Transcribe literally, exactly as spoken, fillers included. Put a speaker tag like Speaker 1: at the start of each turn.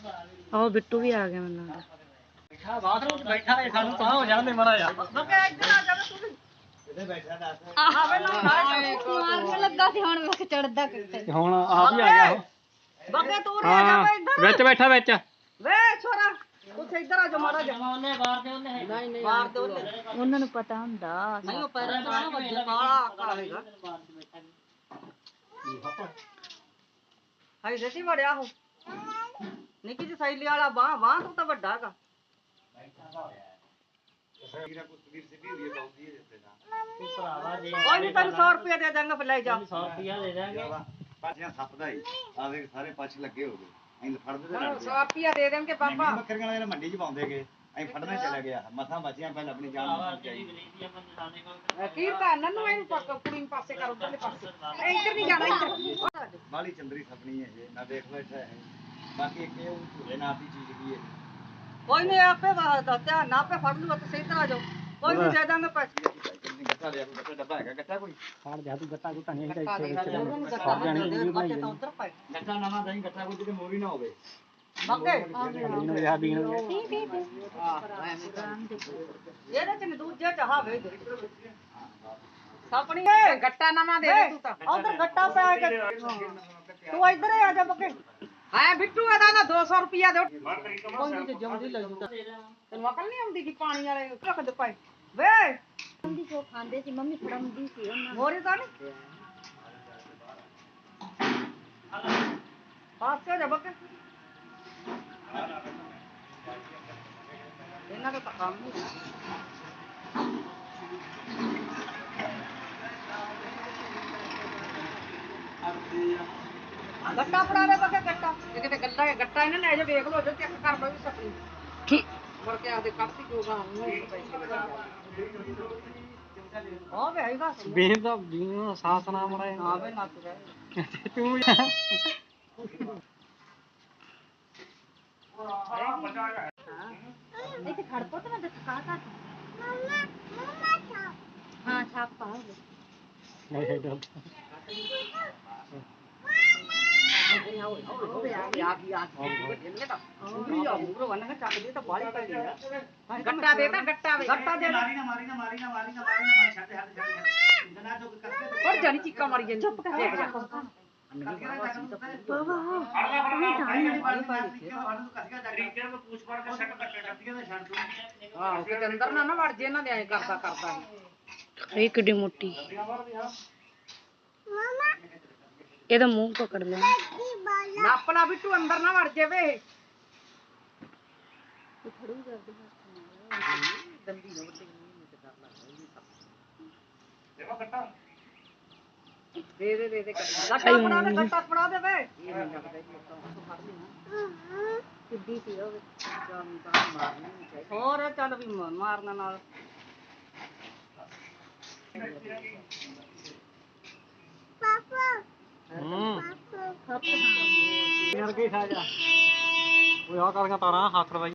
Speaker 1: ਉਹ ਬਿੱਟੂ ਵੀ ਆ ਗਿਆ ਮੈਨੂੰ ਲੱਗਦਾ।
Speaker 2: ਬੈਠਾ ਬਾਥਰੂਮ 'ਚ ਬੈਠਾ ਹੈ, ਸਾਨੂੰ ਤਾਂ ਹੋ ਜਾਂਦੇ ਮੜਾ ਜਾ
Speaker 3: ਬੱਕੇ ਇੱਧਰ ਆ ਜਾ ਤੂੰ ਵੀ।
Speaker 2: ਇਹਦੇ ਬੈਠਾ ਦੱਸ
Speaker 3: ਆਹ ਵੇ ਨਾ
Speaker 1: ਮਾਰਨ ਲੱਗਾ ਸੀ ਹੁਣ ਵੇਖ ਚੜਦਾ ਕਿੱਥੇ।
Speaker 2: ਹੁਣ ਆਪ ਹੀ ਆ ਗਿਆ ਉਹ।
Speaker 3: ਬੱਕੇ ਤੂੰ ਰਹਿ ਜਾ ਵੇ ਇੱਧਰ
Speaker 2: ਵਿੱਚ ਬੈਠਾ ਵਿੱਚ
Speaker 3: ਵੇ ਛੋਰਾ ਉੱਥੇ ਇੱਧਰ ਆ ਜਾ ਮਾੜਾ ਜਾ
Speaker 2: ਉਹਨੇ ਬਾਹਰ ਦੇ ਉਹਨੇ
Speaker 3: ਨਹੀਂ ਨਹੀਂ ਬਾਹਰ ਦੇ ਉਹਨੇ
Speaker 1: ਉਹਨਾਂ ਨੂੰ ਪਤਾ ਹੁੰਦਾ।
Speaker 3: ਨਹੀਂ ਉਹ ਪੈਰਾਂ ਤੋਂ ਨਾ ਵੱਜੇ ਕਾਲਾ ਕਾਲੇਗਾ ਹਾਈ ਜੱਟੀ ਵੜਿਆ ਉਹ ਨਿੱਕੀ ਜਿਹੀ ਸੈਲੀ ਵਾਲਾ ਬਾਹ ਬਾਹ ਤੋਂ ਤਾਂ ਵੱਡਾ ਹੈਗਾ ਕੋਈ ਨਹੀਂ ਤੈਨੂੰ ਸੌ ਰੁਪਇਆ ਦੇ ਦਾਂਗਾ ਫਿਰ ਲੈ ਜਾ
Speaker 2: ਸੌ ਰੁਪਿਆ ਦੇ ਦਾਂਗੇ
Speaker 4: ਪਾਛੀਆਂ ਸੱਪਦਾ ਹੀ ਆਵੇ ਸਾਰੇ ਪਾਛ ਲੱਗੇ ਹੋ ਗਏ ਅਸੀਂ ਫੜਦੇ ਤੇ ਲੜਦੇ
Speaker 3: ਸੌ ਰੁਪਇਆ ਦੇ ਦੇਣਗੇ ਪਾਪਾ
Speaker 4: ਬੱਕਰੀਆਂ ਵਾਲੇ ਮੰਡੀ 'ਚ ਪਾਉਂਦੇਗੇ ਅਸੀਂ ਫੜਨਾ ਚਲਾ ਗਿਆ ਮਸਾਂ ਬਚੀਆਂ ਪਹਿਲਾਂ ਆਪਣੀ ਜਾਨ ਨੂੰ ਬਚਾਈ
Speaker 3: ਕੀ ਕਰਨਾ ਨੂੰ ਇਹਨੂੰ ਪੱਕ ਕੁੜੀ ਨੂੰ ਪਾਸੇ ਕਰ ਉਧਰਲੇ ਪਾਸੇ ਇੱਧਰ ਨਹੀਂ ਜਾਣਾ ਇੱਧਰ
Speaker 4: ਬਾਲੀ ਚੰਦਰੀ ਸਪਣੀ ਹੈ ਇਹ ਨਾ ਦੇਖ ਬੈਠਾ ਹੈ ਬਾਕੀ ਇੱਕ ਇਹ ਝੂਲੇ ਨਾਲ ਦੀ ਚੀਜ਼ ਕੀ ਹੈ
Speaker 3: ਕੋਈ ਨਹੀਂ ਆਪੇ ਦਾ ਧਿਆਨ ਨਾ ਆਪੇ ਫੜ ਲੂਗਾ ਤੇ ਸਹੀ ਤਰ੍ਹਾਂ ਜਾਓ ਕੋਈ ਨਹੀਂ ਦੇ ਦਾਂਗੇ ਪੈਸੇ
Speaker 4: ਗੱਟਾ ਲਿਆ ਕੋਈ ਗੱਟਾ ਡੱਬਾ ਹੈਗਾ ਗੱਟਾ ਕੋਈ
Speaker 2: ਫੜ ਜਾ ਤੂੰ ਗੱਟਾ ਗੁੱਟਾ ਨਹੀਂ
Speaker 3: ਗੱਟਾ ਦੇ
Speaker 2: ਇੱਥੇ
Speaker 3: ਉਹਨੂੰ ਗੱਟਾ ਦੇ ਬੱਚੇ ਤਾਂ ਉਧਰ ਪਏ
Speaker 4: ਗੱਟਾ ਨਵਾਂ ਦਹੀਂ ਗੱਟਾ ਕੋਈ ਕਿਤੇ ਮੋਰੀ ਨਾ ਹੋਵੇ
Speaker 3: ਬੱਕੇ
Speaker 2: ਇਹਨੂੰ ਯਾਦ ਹੀ ਨਹੀਂ
Speaker 3: ਇਹਦੇ ਚ ਦੂਜੇ ਚ ਹਾਵੇ ਸਪਣੀ ਏ ਗੱਟਾ ਨਵਾਂ ਦੇ ਦੇ ਤੂੰ ਤਾਂ ਉਧਰ ਗੱਟਾ ਪੈ ਕੇ ਤੂੰ ਇੱਧਰ ਆ ਜਾ ਬੱਕੇ ਹਾਂ ਬਿੱਟੂ ਇਹਦਾ ਨਾ ਦੋ ਸੌ ਰੁਪਿਆ ਦੇ ਕੋਈ ਨਹੀਂ ਤੇ ਜਮਦੀ ਲੈ ਜੂ ਤੈਨੂੰ ਅਕਲ ਨਹੀਂ ਆਉਂਦੀ ਕਿ ਪਾਣੀ ਵਾਲੇ ਰੱਖਦੇ ਪਏ ਵੇ
Speaker 1: ਮੰਮੀ ਕੋ ਖਾਂਦੇ ਸੀ ਮੰਮੀ ਫੜਾਉਂਦੀ ਸੀ ਉਹਨਾਂ
Speaker 3: ਮੋਰੀ ਤਾਂ ਨਹੀਂ ਪਾਸੇ ਜਾ ਬੱਕੇ ਇਹਨਾਂ ਦਾ ਤਾਂ ਕੰਮ ਨਹੀਂ ਗੱਟਾ ਫੜਾ ਦੇ ਬੱਕੇ ਗੱਟਾ ਇਹ ਕਿਤੇ ਗੱਟਾ ਗੱਟਾ ਇਹਨਾਂ ਲੈ ਜਾ ਵੇਖ ਲੋ ਜੇ ਚੈੱਕ ਕਰ ਲਓ ਵੀ ਸਪਣੀ
Speaker 1: ਠੀਕ
Speaker 3: ਮੁੜ ਕੇ ਆਪਦੇ ਕੱਪੀ ਜੋਗਾ ਉਹਨੂੰ ਹਾਂ ਵੇ ਆਈਗਾ
Speaker 2: ਬੇਰ ਦਾ ਜੀਵਨ ਸਾਸ ਨਾ ਮੜਾ
Speaker 3: ਹਾਂ ਵੇ ਨਾ ਤੂੰ
Speaker 2: ਤੂੰ
Speaker 1: ਇੱਥੇ ਖੜ ਪੋ ਤੇ ਮੈਂ ਦਿਖਾ ਤਾ ਮਮਾ ਮਮਾ ਛਾਪ ਹਾਂ ਛਾਪ ਪਾਉਂਗੇ
Speaker 2: ਨਹੀਂ ਹੈ ਡਰ
Speaker 3: ਗੱਟਾ ਦੇ ਤਾਂ ਗੱਟਾ ਵੇ ਗੱਟਾ ਦੇ
Speaker 4: ਮਾਰੀ ਨਾ ਮਾਰੀ ਨਾ ਮਾਰੀ ਨਾ ਮਾਰੀ ਨਾ ਮਾਰੀ ਨਾ ਛੱਡ ਛੱਡ ਛੱਡ ਜਨਾ ਚੁੱਕ ਕਰਕੇ
Speaker 3: ਹੋਰ ਜਾਨੀ ਚੀਕਾਂ ਮਾਰੀ ਜਾਂਦੀ ਚੁੱਪ ਕਰ ਦੇਖ ਜਾ ਆਹ ਕਿਤੇ ਅੰਦਰ ਨਾ ਨਾ ਵੜ ਜੇ ਇਹਨਾਂ ਦੇ ਐ ਕਰਦਾ ਕਰਦਾ
Speaker 1: ਇਹ ਕਿੱਡੀ ਮੋਟੀ ਇਹਦਾ ਮੂੰਹ ਪਕੜ ਲੈ
Speaker 3: ਨੱਪ ਲਾ ਬਿੱਟੂ ਅੰਦਰ ਨਾ ਵੜ ਜਾਵੇ ਦੰਦੀ ਨਾ ਵੱਡੇ ਨੂੰ ਤੇ ਕਰ ਲਾ ਦੇ ਦੇ ਦੇ ਦੇ ਗੱਟਾ ਫੜਾ ਦੇ ਗੱਟਾ ਫੜਾ ਦੇ ਵੇ
Speaker 1: ਕਿੱਡੀ ਸੀ ਉਹ
Speaker 3: ਜਾਨ ਤਾਂ ਮਾਰਨੀ ਨਹੀਂ ਚਾਹੀਦੀ ਹੋਰ ਚੱਲ ਵੀ ਮਾਰਨ ਨਾਲ
Speaker 2: ਹੂੰ
Speaker 1: ਖੱਪ
Speaker 2: ਯਾਰ ਕੀ ਖਾ ਜਾ ਉਹ ਆ ਕਰ ਤਾਰਾਂ ਹੱਥ ਰਵਾਈ